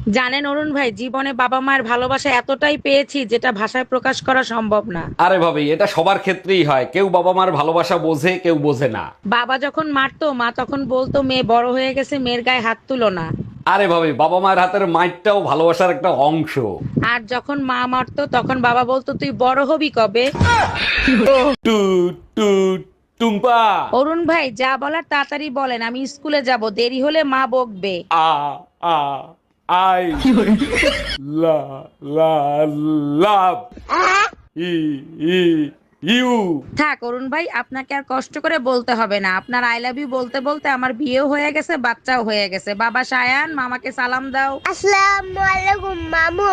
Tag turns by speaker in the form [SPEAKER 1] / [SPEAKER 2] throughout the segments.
[SPEAKER 1] জানেন অরুণ ভাই, জীবনে বাবা মায়ের ভালোবাসা এতটাই পেয়েছি যেটা ভাষায় প্রকাশ করা সম্ভব না।
[SPEAKER 2] আরে ভাবি, এটা সবার ক্ষেত্রেই হয়, কেউ বাবা মার ভালোবাসা বোঝে, কেউ বোঝে না।
[SPEAKER 1] বাবা যখন মারতো মা তখন বলতো মেয়ে বড় হয়ে গেছে, মেয়ের গায়ে হাত তুলো না।
[SPEAKER 2] আরে ভাবি, বাবা মায়ের হাতের মাইরটাও ভালোবাসার একটা অংশ।
[SPEAKER 1] আর যখন মা মারতো তখন বাবা বলতো তুই বড় হবি কবে।
[SPEAKER 2] Two two Tumpa.
[SPEAKER 1] অরুণ ভাই যা বলার তাড়াতাড়ি বলেন, আমি স্কুলে যাব, দেরি হলে মা বকবে।
[SPEAKER 2] আ আ আই লা লা লাভ ই ই ইউ।
[SPEAKER 1] থাক অরুণ ভাই, আপনাকে আর কষ্ট করে বলতে হবে না। আপনার আই লাভ ইউ বলতে বলতে আমার বিয়েও হয়ে গেছে, বাচ্চাও হয়ে গেছে। বাবা সায়ান, মামাকে সালাম দাও।
[SPEAKER 3] আসসালামু আলাইকুম মামু।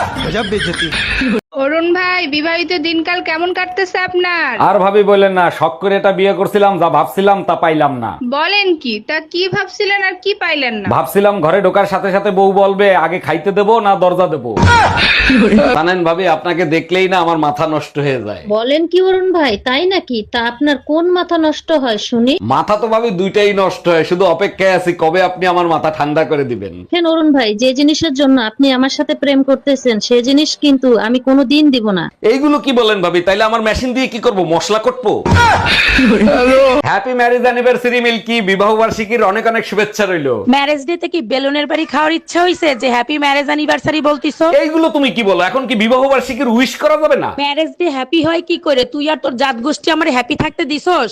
[SPEAKER 4] অরুণ ভাই, বিবাহিত দিনকাল কেমন কাটতেছে আপনার?
[SPEAKER 2] আর ভাবি বললেন না, শখ করে এটা বিয়ে করছিলাম, যা ভাবছিলাম তা পাইলাম না।
[SPEAKER 4] বলেন কি? তা কি ভাবছিলেন আর কি পাইলেন না?
[SPEAKER 2] ভাবছিলাম ঘরে ঢোকার সাথে সাথে বউ বলবে আগে খাইতে দেবো না দরজা দেবো। জানেন ভাবি, আপনাকে দেখলেই না আমার মাথা নষ্ট হয়ে যায়।
[SPEAKER 5] বলেন কি অরুণ ভাই, তাই নাকি? তা আপনার কোন মাথা নষ্ট হয় শুনি?
[SPEAKER 2] মাথা তো ভাবি দুইটাই নষ্ট হয়, শুধু অপেক্ষায় আছি কবে আপনি আমার মাথা ঠান্ডা করে দিবেন।
[SPEAKER 5] দেখেন অরুণ ভাই, যে জিনিসের জন্য আপনি আমার সাথে প্রেম করতেছেন সে জিনিস কিন্তু আমি কোনোদিন দিব না।
[SPEAKER 2] এইগুলো কি বলেন ভাবি? তাইলে আমার মেশিন দিয়ে কি করব? মশলা কটবো? হ্যাপি ম্যারেজ অ্যানিভার্সারি মিল্কি, বিবাহ বার্ষিকীর অনেক অনেক শুভেচ্ছা রইলো।
[SPEAKER 1] ম্যারেজ ডে তে কি বেলুনের বাড়ি খাওয়ার ইচ্ছা হইছে যে হ্যাপি ম্যারেজ অ্যানিভার্সারি বলতিছো?
[SPEAKER 2] এইগুলো তুমি কি বলো? এখন কি বিবাহ বার্ষিকীর উইশ করা যাবে না?
[SPEAKER 1] ম্যারেজ ডে হ্যাপি হয় কি করে? তুই আর তোর জাত গোষ্ঠী আমার হ্যাপি থাকতে দিছস?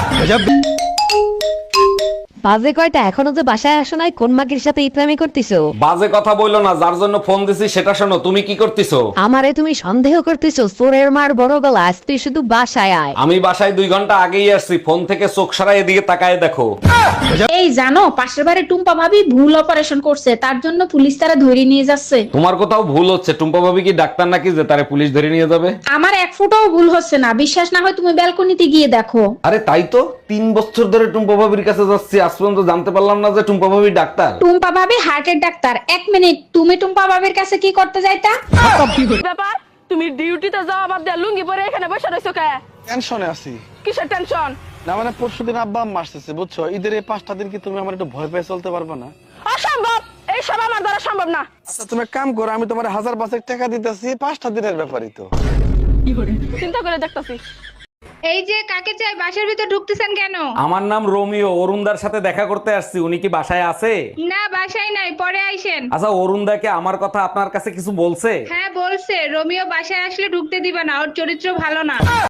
[SPEAKER 6] বাজে কয়টা, এখনো যে বাসায় আসো নাই? কোন মাগির সাথে ইতরামি করতেছো?
[SPEAKER 2] বাজে কথা বললো না, যার জন্য ফোন দিছি সেটা শোনো। তুমি কি করতেছো?
[SPEAKER 6] আমারে তুমি সন্দেহ করতেছো? চোরের মার বড় গলা, আজ তুই শুধু বাসায় আয়।
[SPEAKER 2] আমি বাসায় 2 ঘন্টা আগেই আসছি, ফোন থেকে চোখ সরাই এদিকে তাকায় দেখো।
[SPEAKER 7] এই জানো, পাশের বাড়ি টুম্পা ভাবি ভুল অপারেশন করছে, তার জন্য পুলিশ তারা ধরে নিয়ে যাচ্ছে।
[SPEAKER 2] তোমার কোথাও ভুল হচ্ছে। টুম্পা ভাবি কি ডাক্তার নাকি যে তারে পুলিশ ধরে নিয়ে যাবে?
[SPEAKER 7] আমার এক ফুটাও ভুল হচ্ছে না, বিশ্বাস না হয় তুমি ব্যালকনিতে গিয়ে দেখো।
[SPEAKER 2] আরে তাই তো, 3 বছর ধরে টুম্পা ভাবির কাছে যাচ্ছি, আজ পর্যন্ত জানতে পারলাম না যে টুম্পা ভাবি ডাক্তার।
[SPEAKER 7] টুম্পা ভাবি হার্টের ডাক্তার। 1 মিনিট, তুমি টুম্পা ভাবির কাছে কি করতে যাইতা?
[SPEAKER 8] ব্যাপার, তুমি ডিউটিতে যাওয়া বাদ দিয়ে লুঙ্গি পরে এখানে বসে রইছো কে?
[SPEAKER 9] টেনশনে আছি।
[SPEAKER 8] কিসের টেনশন?
[SPEAKER 9] না মানে পরশুদিন আব্বা আম্মা আসতেছে বুঝছো, ঈদের এই 5টা দিন কি তুমি আমার একটু ভয় পেয়ে চলতে পারবে না?
[SPEAKER 8] অসম্ভব, এই সব আমার দ্বারা সম্ভব না।
[SPEAKER 9] আচ্ছা তুমি এক কাম করো, আমি তোমার 1000 টাকা দিতেছি, 5টা দিনের ব্যাপারই তো।
[SPEAKER 8] চিন্তা করে দেখতেছি।
[SPEAKER 4] এই যে কাকে চাই, বাসার ভিতর ঢুকতেছেন কেন?
[SPEAKER 2] আমার নাম রোমিও, অরুণদার সাথে দেখা করতে আসছি। উনি কি বাসায় আছে?
[SPEAKER 4] না, বাসায় নাই, পরে আইসেন।
[SPEAKER 2] আচ্ছা, অরুণদাকে আমার কথা আপনার কাছে কিছু বলছে?
[SPEAKER 4] হ্যাঁ বলছে, রোমিও বাসায় আসলে ঢুকতে দিবে না, ওর চরিত্র ভালো না।